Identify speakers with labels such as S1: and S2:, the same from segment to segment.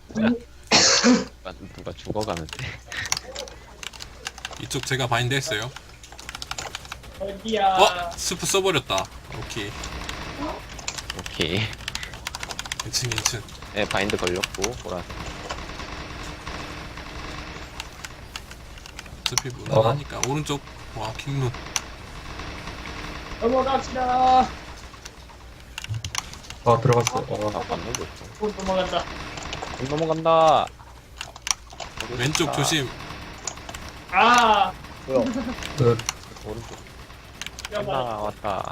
S1: 누가 죽어가는데.
S2: 이쪽 제가 바인드 했어요.
S3: 어디야?
S2: 스프 써버렸다. 오케이.
S1: 오케이.
S2: 괜찮 괜찮.
S1: 네, 바인드 걸렸고 보라색.
S2: 어차피 무난하니까. 오른쪽. 와 킹룬.
S3: 넘어갑시다.
S4: 아 들어갔어.
S1: 아, 맞는 거 있어.
S3: 곧 넘어간다.
S1: 못 넘어간다.
S2: 왼쪽 조심.
S3: 아,
S5: 뭐야?
S4: 끝.
S1: 오른쪽.
S3: 야,
S1: 왔다
S3: 봐.
S1: 왔다.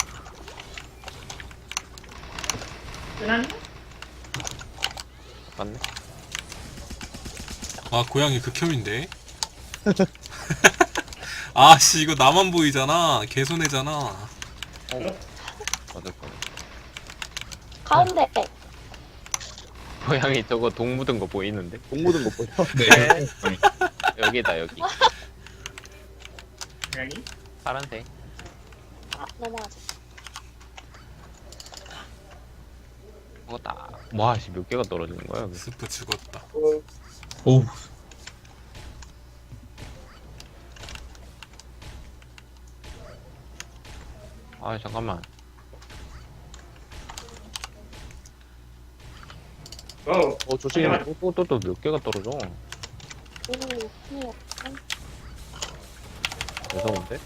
S3: 끝났니?
S1: 맞네.
S2: 와 고양이 극혐인데. 아씨 이거 나만 보이잖아. 개손해잖아.
S1: 맞을 뻔.
S6: 가운데.
S1: 고양이 저거 동 묻은 거 보이는데?
S5: 똥 묻은 거 보여?
S4: 네.
S1: 여기다 여기.
S3: 여기?
S1: 파란색.
S6: 아, 넘어가자.
S1: 저거다. 와, 씨, 몇 개가 떨어지는 거야, 여기.
S2: 스프 죽었다.
S4: 오우.
S1: 아, 잠깐만.
S5: 조심해.
S1: 또 몇 개가 떨어져.
S6: 오, 힘이 없어.
S1: 무서운데?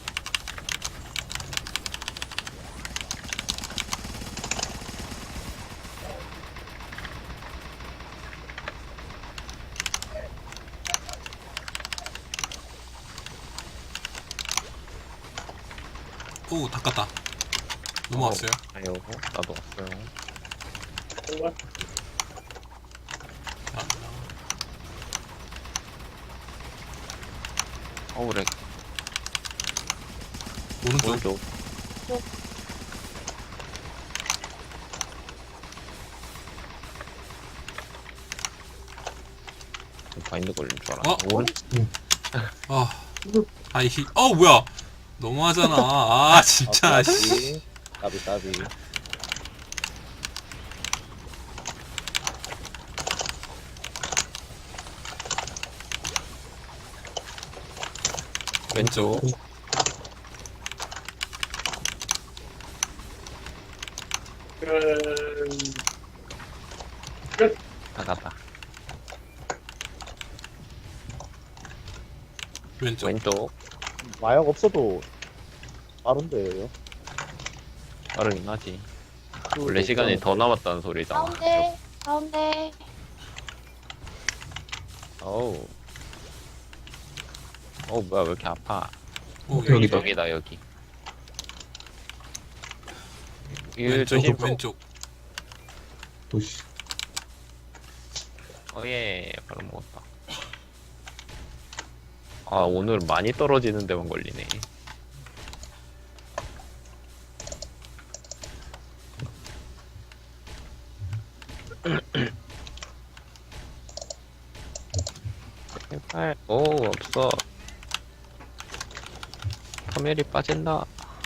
S2: 오 닦았다. 넘어왔어요.
S1: 아유, 나도 왔어요.
S2: 아,
S1: 그래.
S2: 오른쪽.
S1: 오른쪽. 바인드 걸린 줄 알았네.
S2: 어?
S1: 오른쪽.
S2: 아 아이히. 뭐야. 너무하잖아. 아 진짜. 씨.
S5: 까비 까비.
S1: 왼쪽. 나갔다.
S2: 왼쪽.
S1: 왼쪽.
S5: 마약 없어도 빠른데요.
S1: 빠르긴 하지. 원래 시간이 더 남았다는 소리잖아.
S6: 가운데, 가운데.
S1: 어우. 뭐야, 왜 이렇게 아파.
S2: 오
S4: 여기다.
S1: 여기다, 여기.
S2: 왼쪽.
S1: 조심.
S2: 왼쪽.
S4: 오씨.
S1: 예, 바로 먹었다. 아, 오늘 많이 떨어지는 데만 걸리네. 제발. 없어. 카멜이 빠진다.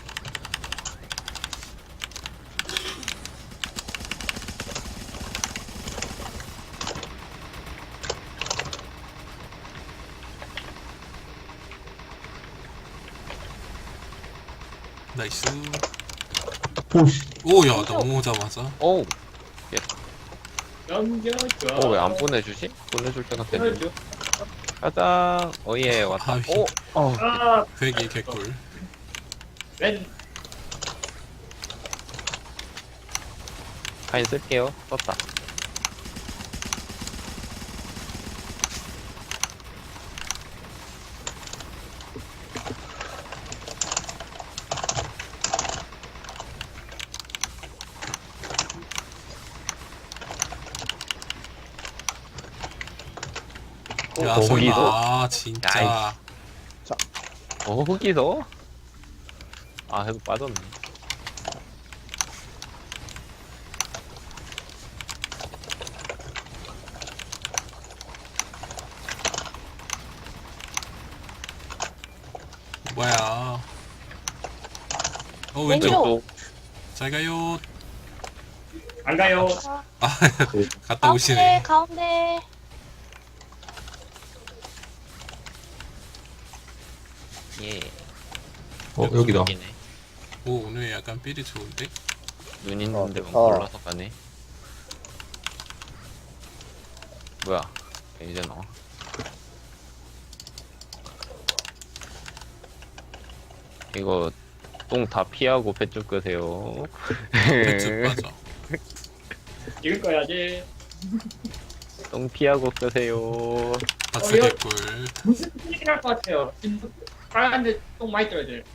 S2: 나이스.
S4: 오씨.
S2: 오야 넘어오자마자.
S1: 오우.
S3: 넘겨줘.
S1: 왜 안 보내주지? 보내줄 때가 됐는데.
S3: 보내줘.
S1: 가자. 예, 왔다.
S2: 아이.
S3: 아,
S2: 회기 개꿀.
S3: 왼.
S1: 가인 쓸게요. 썼다.
S2: 야
S1: 거기서?
S2: 설마. 아 진짜.
S1: 거기서? 아, 해도 빠졌네.
S2: 뭐야. 왼쪽.
S6: 왼쪽.
S2: 잘 가요.
S3: 안 가요.
S2: 갔다 오시네.
S6: 가운데.
S1: 예.
S4: 여기다.
S1: 여기네.
S2: 오, 오늘 약간 삘이 좋은데?
S1: 눈 있는데
S5: 좋다.
S1: 골라서 가네. 뭐야? 이제 나와. 이거 똥 다 피하고 뱃줄 끄세요.
S2: 배쭉 빠져.
S3: 읽을 거야지.
S1: 똥 피하고 끄세요.
S2: 박스
S3: 이거-
S2: 개꿀.
S3: 무슨 소리긴 할것 같아요. 지금 빨간데 똥 많이 떠야 돼.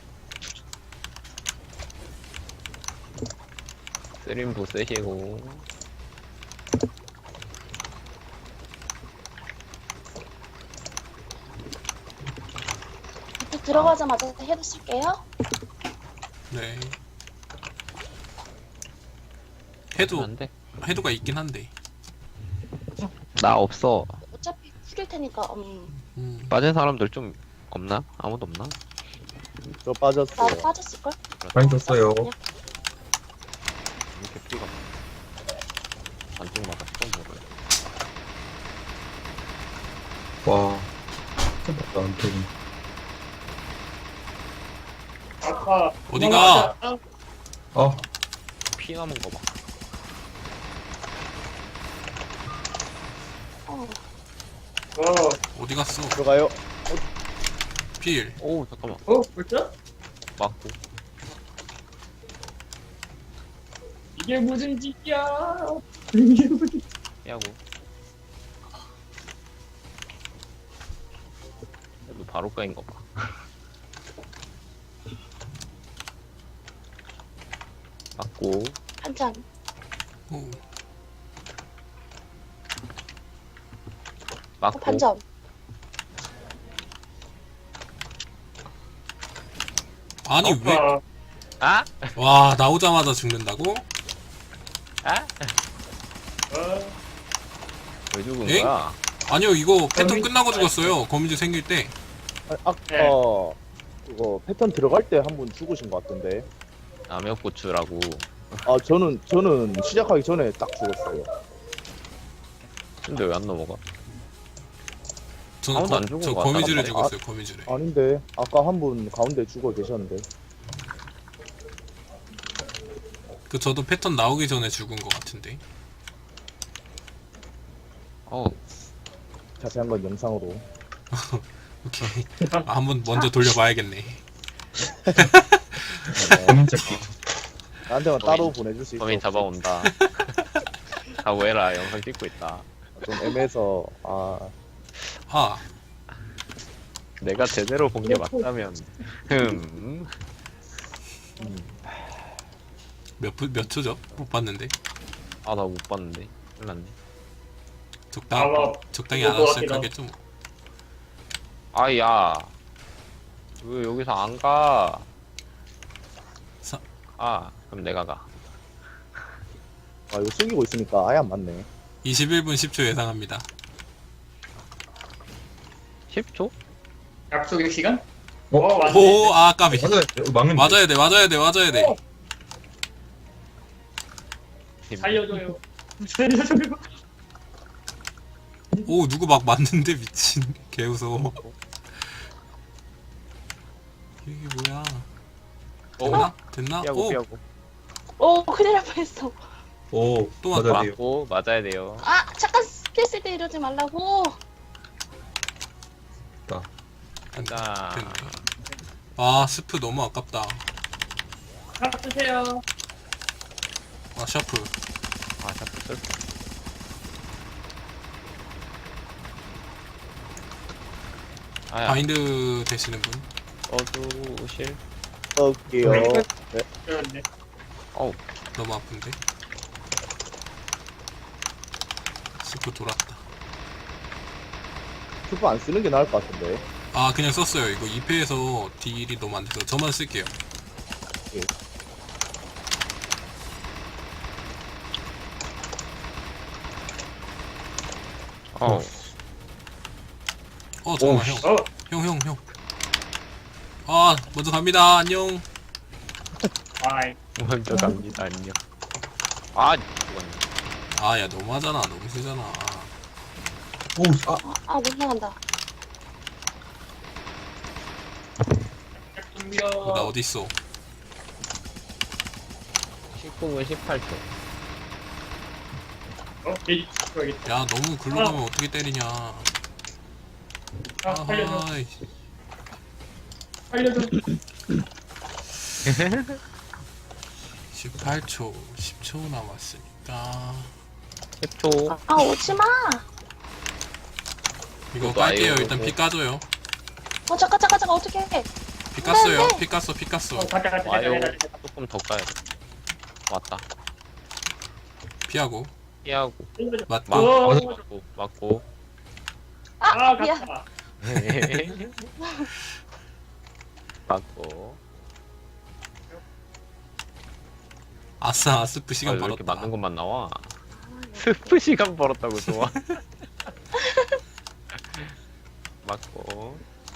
S1: 쓰림부 쓰시고.
S6: 밑에 들어가자마자 헤드 쓸게요.
S2: 네. 해도,
S1: 안 돼.
S2: 해도가 있긴 한데.
S1: 나 없어.
S6: 어차피 풀일 테니까,
S1: 빠진 사람들 좀 없나? 아무도 없나?
S5: 저 빠졌어요.
S6: 나도 빠졌을걸?
S4: 많이 떴어요.
S6: 그냥
S1: 이렇게 피가 안쪽마다 처음 먹어요.
S4: 와. 맞다, 안 되네.
S3: 아까
S2: 어디가?
S4: 아,
S1: 피 남은 거 봐.
S3: 어,
S2: 어디 갔어?
S5: 들어가요.
S2: 필.
S1: 오 잠깐만.
S3: 벌써?
S1: 맞고.
S3: 이게 무슨 짓이야? 이게 무슨
S1: 피하고. 그래도 바로 까인 거 봐. 맞고.
S6: 한 잔.
S2: 오.
S1: 맞고.
S6: 반점.
S2: 아니, 왜?
S3: 아까
S1: 아?
S2: 와, 나오자마자 죽는다고?
S1: 아?
S3: 어,
S1: 왜 죽은
S2: 엥?
S1: 거야?
S2: 아니요, 이거 패턴 끝나고 죽었어요. 거미줄 생길 때.
S5: 아까 그거 패턴 들어갈 때 한 분 죽으신 것 같던데.
S1: 남역고추라고.
S5: 아 저는 시작하기 전에 딱 죽었어요.
S1: 근데 왜 안 넘어가?
S2: 저는
S1: 아무도 안 죽은
S2: 저
S1: 것
S2: 거미줄에
S1: 같다,
S2: 죽었어요, 거미줄에.
S5: 아닌데 아까 한 분 가운데 죽어 계셨는데.
S2: 그 저도 패턴 나오기 전에 죽은 것 같은데.
S1: 어,
S5: 자세한 건 영상으로.
S2: 오케이. 아, 한번 먼저 돌려봐야겠네.
S4: 범인 찾기.
S5: 나한테만 따로 보내줄 수 있어.
S1: 범인 잡아온다. 각오해라, 영상 찍고 있다.
S5: 좀 애매해서
S2: 아,
S1: 내가 제대로 본 게 맞다면,
S2: 몇 초죠? 못 봤는데.
S1: 아, 나 못 봤는데. 큰일 났네.
S2: 적당히 알았을 거겠죠. 뭐.
S1: 아, 야. 왜 여기서 안 가?
S2: 사-
S1: 아, 그럼 내가 가.
S5: 이거 숨기고 있으니까 아예 안 맞네.
S2: 21분 10초 예상합니다.
S1: 10초?
S3: 약속의 시간?
S4: 어?
S3: 맞네.
S2: 오, 아, 까비.
S4: 맞아요. 막는
S2: 맞아야 돼, 맞아야 돼, 맞아야 돼.
S3: 살려줘요. 살려줘요.
S2: 오, 누구 막 맞는데 미친. 개무서워. 이게 뭐야? 됐나? 됐나?
S1: 피하고,
S2: 오,
S1: 피하고.
S6: 오, 큰일 날 뻔했어.
S4: 오,
S2: 또
S4: 맞아야
S2: 맞다.
S4: 돼요.
S1: 맞고, 맞아야 돼요.
S6: 아, 잠깐 스킬 쓸 때 이러지 말라고.
S1: 가자.
S2: 됐네. 아, 스프 너무 아깝다.
S3: 하나 쓰세요.
S2: 아, 샤프.
S1: 아, 자꾸 쓸 아야,
S2: 바인드 되시는 분?
S1: 어두실?
S5: 할게요. 네.
S3: 그런데
S1: 어우,
S2: 너무 아픈데? 스프 돌았다.
S5: 큐브 안 쓰는 게 나을 것 같은데.
S2: 아, 그냥 썼어요. 이거 2패에서 딜이 너무 안 돼서 저만 쓸게요.
S1: 어,
S2: 잠깐만,
S1: 오,
S2: 형. 형. 아, 먼저 갑니다. 안녕.
S3: 아이
S1: 먼저 갑니다, 안녕. 아 죽었네.
S2: 아 야 너무하잖아. 너무 세잖아.
S4: 오,
S6: 못 나간다.
S3: 준비요.
S2: 나 어딨어?
S1: 19분 18초.
S3: 게이지 찍어야겠다.
S2: 야 너무 글로 가면 어떻게 때리냐.
S3: 살려줘.
S2: 아하이.
S3: 살려줘.
S2: 18초 10초 남았으니까
S1: 10초.
S6: 오지마.
S2: 이거
S1: 그것도
S2: 깔게요.
S1: 아예
S2: 일단 피 까줘요.
S6: 잠깐, 어떻게 해.
S2: 피 깠어요.
S6: 네.
S2: 피 깠어. 피 깠어.
S3: 가자.
S1: 와요. 조금 더 까야 돼. 왔다.
S2: 피하고
S1: 피하고.
S2: 맞고
S1: 맞고.
S6: 미안.
S3: 갔다.
S1: 맞고.
S2: 아싸 스프
S1: 아,
S2: 시간
S1: 왜 이렇게
S2: 벌었다.
S1: 맞는 것만 나와? 스프 시간 벌었다고 좋아. 맞고.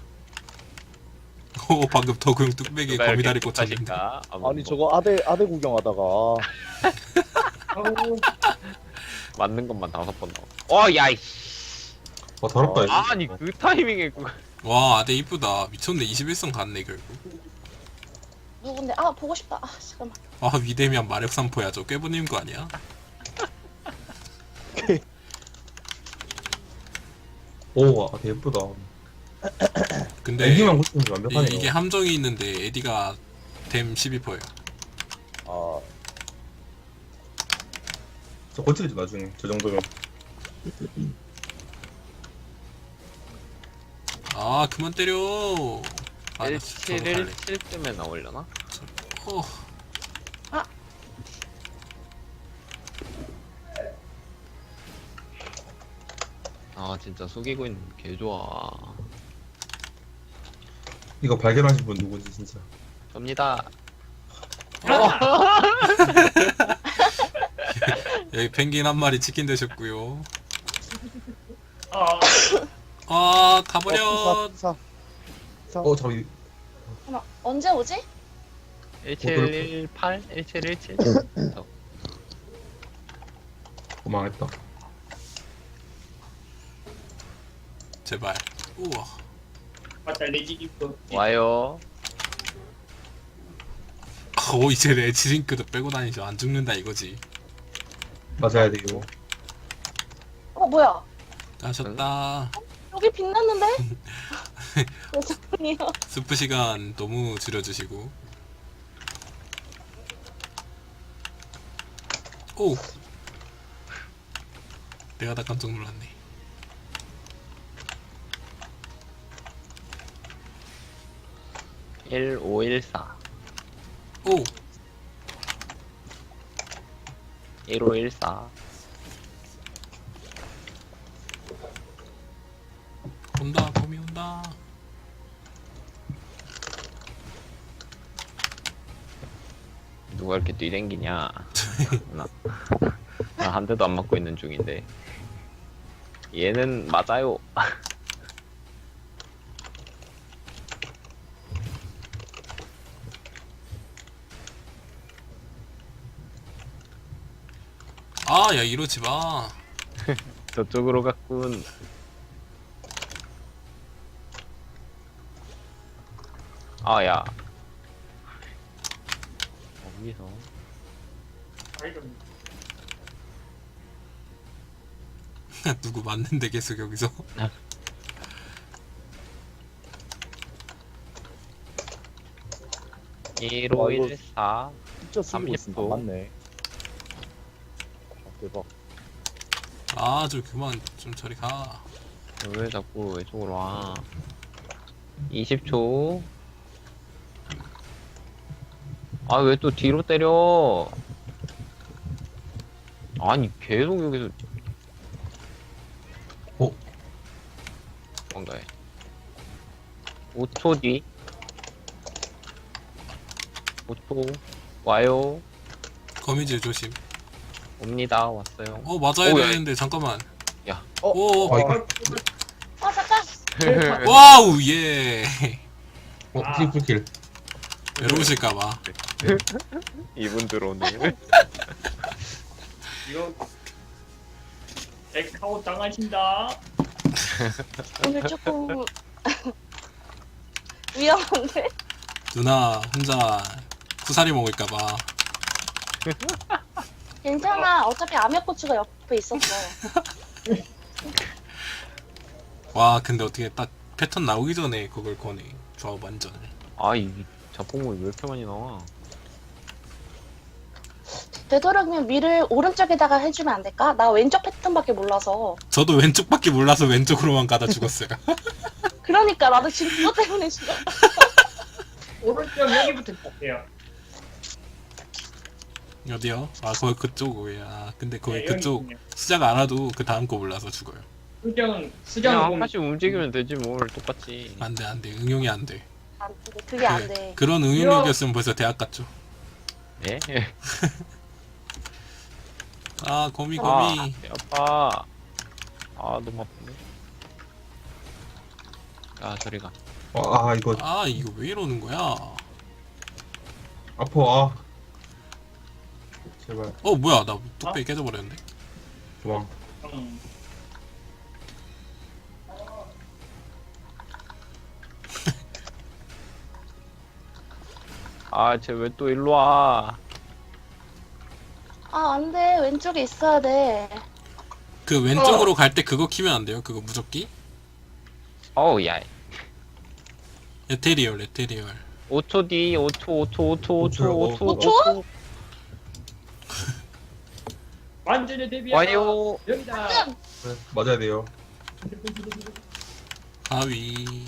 S2: 오 방금 덕용 뚝배기에
S1: 누가
S2: 거미다리
S1: 이렇게
S2: 꽂혔는데.
S1: 탓일까?
S5: 아니 저거 아대 구경하다가
S3: 아우,
S1: 맞는 것만 5번 나와. 야 이씨.
S4: 더럽다. 이거.
S1: 아니 그 타이밍에
S2: 와 아대 이쁘다. 미쳤네. 21성 갔네 결국.
S6: 누군데? 보고 싶다. 잠깐만.
S2: 아 위대면 마력산포야. 저 꾀부님 거 아니야?
S4: 오, 되게 예쁘다.
S2: 근데
S4: 애기만 고치면 완벽하네요.
S2: 이게 함정이 있는데 에디가 댐 12%예요.
S5: 아
S4: 저 고치겠죠, 나중에. 저 정도면.
S2: 아 그만 때려. 아, 나 저거 갈래.
S1: 1717쯤에 나오려나?
S2: 어.
S1: 아 진짜 속이고 있는 개 좋아.
S4: 이거 발견하신 분 누구지, 진짜.
S1: 접니다.
S2: 여기 펭귄 한 마리 치킨 되셨고요.
S3: 아,
S2: 아 가버려.
S5: 사
S4: 저기,
S6: 잠깐만. 언제 오지?
S1: 1718? 1717?
S4: 망했다.
S2: 제발. 우와.
S3: 맞다, 레지 입고.
S1: 와요.
S2: 오 이제 레지링크도 빼고 다니죠. 안 죽는다 이거지.
S4: 맞아야 돼요.
S6: 뭐야?
S2: 가셨다.
S6: 여기 빛났는데? 죄송해요.
S2: 스프 시간 너무 줄여주시고. 오. 내가 다 깜짝 놀랐네.
S1: 일 1514.
S2: 오.
S1: 1514.
S2: 온다. 봄이 온다.
S1: 누가 이렇게 뛰댕기냐? 나 한 대도 안 맞고 있는 중인데. 얘는 맞아요.
S2: 아, 야 이러지 마.
S1: 저쪽으로 갔군. 아, 야. 어디서?
S2: 누구 맞는데 계속 여기서.
S1: 일 1514.
S5: 진짜 쓰고 있으니까
S1: 30도.
S5: 맞네. 대박.
S2: 아, 좀 그만 좀 저리 가.
S1: 왜 자꾸 이쪽으로 와? 20초. 아, 왜 또 뒤로 때려? 아니, 계속 여기서. 뭔가해. 5초 뒤. 5초. 와요.
S2: 거미줄 조심.
S1: 옵니다. 왔어요.
S2: 맞아야
S1: 오, 야.
S2: 되는데 잠깐만.
S1: 야.
S2: 오.
S4: 이거,
S6: 잠깐.
S2: 와우 예.
S4: 풀킬.
S2: 외로우실까봐.
S1: 이분 들어오네.
S3: 이거 엑카웃 당하신다.
S6: 오늘 조금 위험한데?
S2: 누나 혼자 쿠사리 먹을까봐.
S6: 괜찮아. 어차피 아메고추가 옆에 있었어.
S2: 와 근데 어떻게 딱 패턴 나오기 전에 그걸 거네. 조합 완전.
S1: 아이 자폭물이 왜 이렇게 많이 나와?
S6: 되도록이면 위를 오른쪽에다가 해주면 안 될까? 나 왼쪽 패턴밖에 몰라서.
S2: 저도 왼쪽밖에 몰라서 왼쪽으로만 가다 죽었어요.
S6: 그러니까 나도 지금 그것 때문에 죽어.
S3: 오른쪽 여기부터 볼게요.
S2: 어디요? 아 거기 그쪽이야. 근데 거기
S3: 네,
S2: 그쪽
S3: 여기 있네요.
S2: 시작 안 와도 그 다음 거 몰라서 죽어요.
S3: 수정
S1: 그냥 한
S3: 보면
S1: 번씩 움직이면 되지 뭘 똑같이.
S2: 안돼 안돼 응용이 안 돼.
S6: 안 돼. 그게 안 돼.
S2: 그런 응용력이었으면 벌써 대학 갔죠.
S1: 예?
S2: 아 거미
S1: 아,
S2: 거미.
S1: 배 아파. 아 너무 아프네. 아 저리 가.
S4: 아 이거
S2: 아 이거 왜 이러는 거야?
S4: 아파. 아. 제발
S2: 어 뭐야 나 뚝배기 깨져버렸는데.
S4: 도망.
S3: 음,
S1: 아 쟤 왜 또 일로 와?
S6: 아, 안 돼. 왼쪽에 있어야 돼.
S2: 그 왼쪽으로 갈 때 그거 키면 안 돼요? 그거 무적기?
S1: 어우 야.
S2: 에테리얼 에테리얼.
S1: 5초 뒤 5초 5초 5초 5초 5초
S6: 5초?
S3: 완전히 대비하다.
S1: 와요.
S3: 여기다.
S6: 뜸!
S4: 네, 맞아야 돼요.
S2: 가위.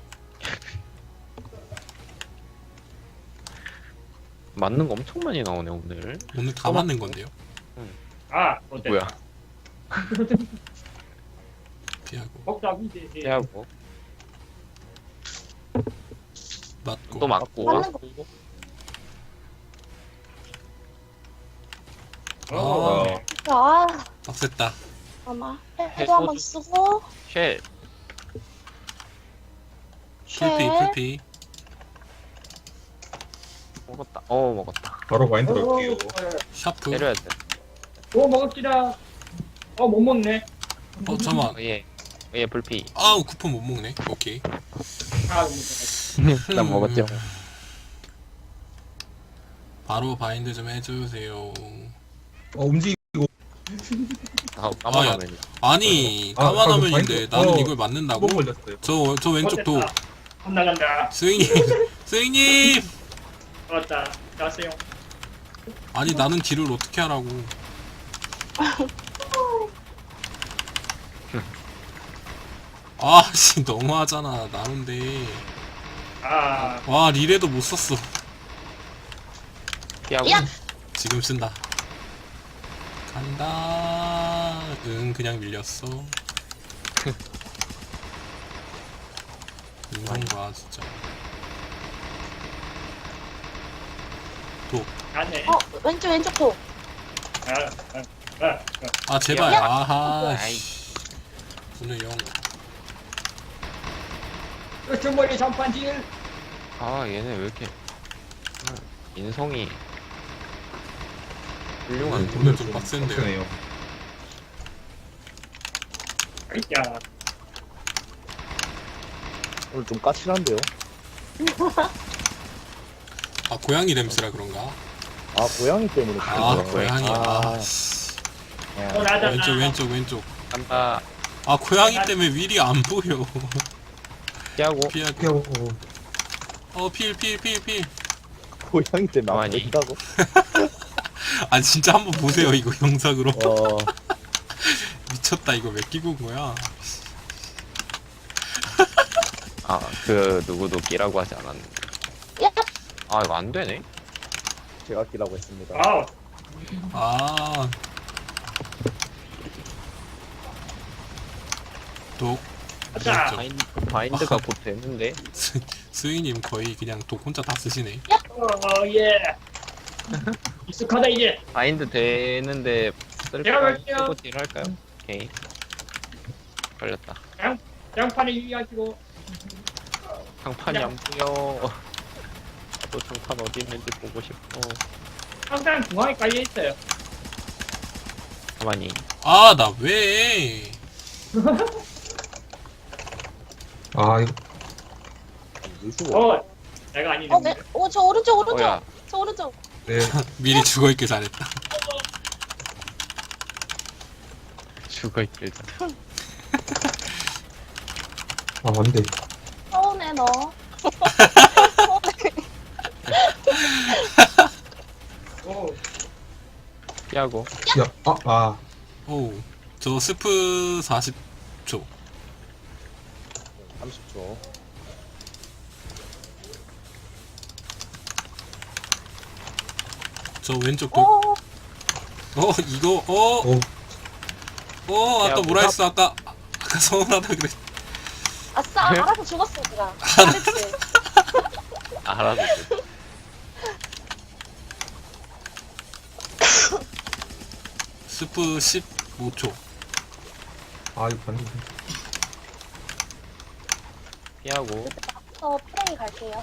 S1: 맞는 거 엄청 많이 나오네 오늘.
S2: 오늘 다 맞는 건데요?
S3: 아, 어때?
S1: 뭐야?
S2: 피하고
S3: 복잡이지.
S1: 피하고
S2: 맞고
S1: 또 맞고.
S6: 맞는 거.
S3: 어.
S6: 아,
S2: 빡셌다.
S6: 잠깐만. 해도 한번 쓰고.
S1: 쉘.
S2: 풀피
S6: 쉘.
S2: 풀피.
S1: 먹었다. 어 먹었다.
S4: 바로 마인드 걸게요.
S2: 샤프.
S1: 때려야 돼.
S3: 오, 먹읍시다. 못 먹네.
S2: 잠깐만.
S1: 어, 예. 예 불피.
S2: 아우 쿠폰 못 먹네. 오케이.
S3: 아,
S1: 난 먹었죠.
S2: 바로 바인드 좀 해주세요.
S4: 움직이고.
S1: 아 까만하네.
S2: 아니
S4: 아,
S2: 까만
S4: 방금
S2: 화면인데
S4: 바인드-
S2: 나는
S4: 어,
S2: 이걸 맞는다고?
S4: 한번 걸렸어요.
S2: 저 왼쪽 도.
S3: 나간다.
S2: 스윙님 스윙님.
S3: 맞다. 가세요.
S2: 아니 나는 딜을 어떻게 하라고. 아씨 너무하잖아 나는데.
S3: 아,
S2: 와 리레도 못 썼어.
S1: 피하고.
S6: 야!
S2: 지금 쓴다. 간다. 응 그냥 밀렸어. 이런 거야 진짜.
S3: 가네.
S6: 왼쪽 도.
S2: 아 제발.
S6: 야!
S2: 아하.
S1: 아이.
S2: 씨. 오늘 영.
S3: 주머니 전판질.
S1: 아 얘네 왜 이렇게 인성이 훌륭한.
S2: 오늘 좀 빡센데요.
S4: 빡세네요.
S3: 야,
S5: 오늘 좀 까칠한데요?
S2: 아 고양이 냄새라 그런가?
S5: 아, 고양이 때문에.
S2: 아
S5: 그래요.
S2: 고양이.
S5: 아,
S2: 아 씨.
S3: 또 나잖아.
S2: 왼쪽.
S1: 간다.
S2: 아 고양이 때문에 윌이 안 보여.
S1: 피하고.
S2: 피하고.
S4: 피하고.
S2: 필.
S5: 고양이 때문에 안
S1: 아니.
S5: 보인다고?
S2: 아 진짜 한번 보세요 이거 영상으로. 미쳤다 이거 왜 끼고 온 거야?
S1: 아 그 누구도 끼라고 하지 않았는데.
S6: 야!
S1: 아 이거 안 되네.
S5: 제가 끼라고 했습니다.
S3: 아우,
S2: 아. 독.
S3: 가자.
S1: 바인드가 곧 되는데.
S2: 스윙님 거의 그냥 독 혼자 다 쓰시네.
S3: 예. 익숙하다 이제.
S1: 바인드 되는데
S3: 제가
S1: 쓸까요?
S3: 갈게요.
S1: 쓰고 딜 할까요? 오케이. 걸렸다.
S3: 장판에 유의하시고.
S1: 장판이 안 보여. 또 장판 어디 있는지 보고 싶어.
S3: 항상 중앙에 깔려 있어요.
S1: 가만히.
S2: 아, 나 왜?
S4: 아 이거
S5: 왜 죽어?
S3: 내가 아니네.
S6: 저 오른쪽,
S1: 어야.
S6: 저 오른쪽.
S4: 네.
S2: 미리 죽어있길 잘했다.
S1: 죽어있길.
S4: 아 안돼.
S6: 서운해, 너.
S3: 오,
S1: 피하고.
S4: 아
S2: 오, 저 스프 40초.
S5: 30초.
S2: 저 왼쪽 돌. 이거,
S4: 오.
S2: 아까
S1: 야,
S2: 뭐라 했어? 아까 서운하다 그래.
S6: 아싸, 알아서 죽었어, 제가. 잘했지.
S1: 알아서.
S2: 스프 15초.
S4: 아 이거 반대.
S1: 피하고.
S6: 저 프레이 갈게요.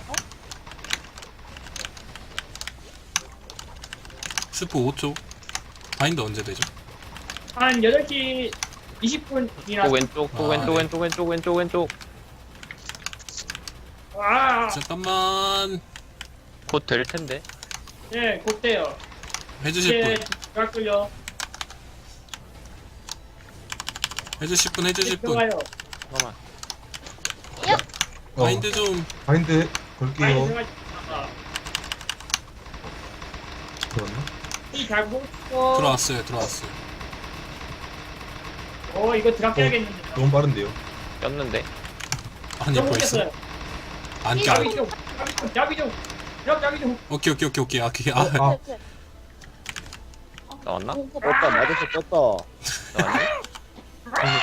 S2: 스프 5초. 바인드 언제 되죠?
S3: 한 8시 20분이나.
S1: 또 왼쪽, 또
S2: 아,
S1: 왼쪽,
S2: 네.
S1: 왼쪽, 왼쪽, 왼쪽, 왼쪽.
S3: 아,
S2: 잠깐만.
S1: 곧 될 텐데.
S3: 네, 곧돼요.
S2: 해주실
S3: 이제
S2: 분.
S3: 들어갈걸요.
S2: 해주실 분, 해주실 분.
S3: 들어가요.
S1: 잠깐만.
S2: 바인드 좀.
S4: 바인드
S3: 많이
S4: 걸게요.
S3: 들어가셨다.
S4: 들어왔나?
S3: 이잘 보고.
S2: 들어왔어요.
S3: 이거 들어가야겠는데.
S4: 너무 빠른데요.
S1: 꼈는데.
S2: 아니, 벌써. 안 껴.
S3: 자비 좀. 자비 좀. 자비 좀.
S2: 오케이. 아,
S4: 아.
S1: 나왔나?
S5: 떴다, 맞았어, 떴다.
S1: 나왔니?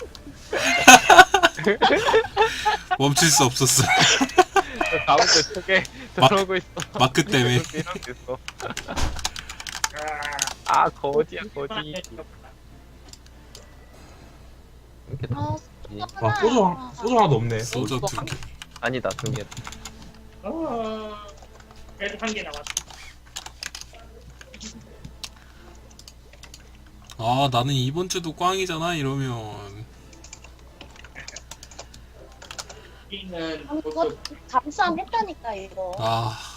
S2: 멈출 수 없었어.
S1: 다음 거 속에
S2: 막-
S1: 들어오고 있어.
S2: 마크 때문에.
S1: 이렇게 있어. 아, 거지야, 거지.
S6: 아,
S4: 와 소주 하나도 없네.
S2: 소주 2개.
S1: 아니다, 2개.
S3: 그래도 한 개 남았어.
S2: 아, 나는 이번 주도 꽝이잖아, 이러면.
S3: 여기는
S6: 이거 잠수함 했다니까, 이거.
S2: 아,